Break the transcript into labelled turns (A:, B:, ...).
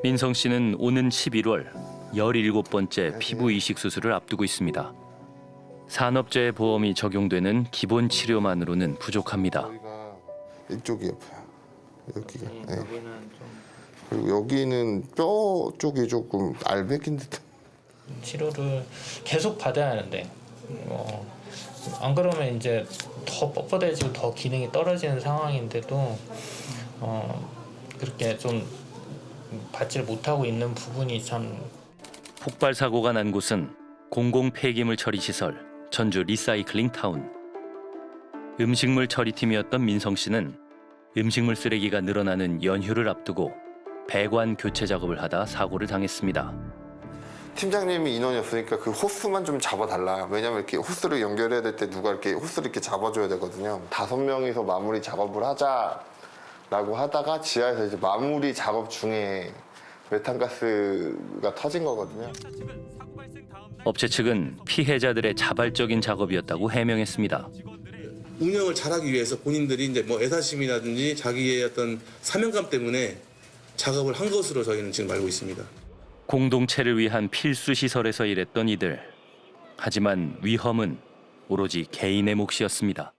A: 민성 씨는 오는 11월 17번째 피부 이식 수술을 앞두고 있습니다. 산업재해 보험이 적용되는 기본 치료만으로는 부족합니다.
B: 여기가 이쪽이 아파요. 여기가. 네.
C: 여기는 좀
B: 그리고 여기는 뼈 쪽이 조금 알배긴 듯한.
C: 치료를 계속 받아야 하는데 안 그러면 이제 더 뻣뻣해지고 더 기능이 떨어지는 상황인데도 그렇게 좀 받지를 못하고 있는 부분이 참.
A: 폭발 사고가 난 곳은 공공 폐기물 처리 시설 전주 리사이클링 타운. 음식물 처리팀이었던 민성 씨는 음식물 쓰레기가 늘어나는 연휴를 앞두고 배관 교체 작업을 하다 사고를 당했습니다.
B: 팀장님이 인원이 없으니까 그 호스만 좀 잡아달라. 왜냐면 이렇게 호스를 연결해야 될 때 누가 이렇게 호스를 이렇게 잡아줘야 되거든요. 5명이서 마무리 작업을 하자라고 하다가 지하에서 이제 마무리 작업 중에 메탄가스가 터진 거거든요.
A: 업체 측은 피해자들의 자발적인 작업이었다고 해명했습니다.
D: 운영을 잘하기 위해서 본인들이 이제 뭐 애사심이라든지 자기의 어떤 사명감 때문에 작업을 한 것으로 저희는 지금 알고 있습니다.
A: 공동체를 위한 필수 시설에서 일했던 이들. 하지만 위험은 오로지 개인의 몫이었습니다.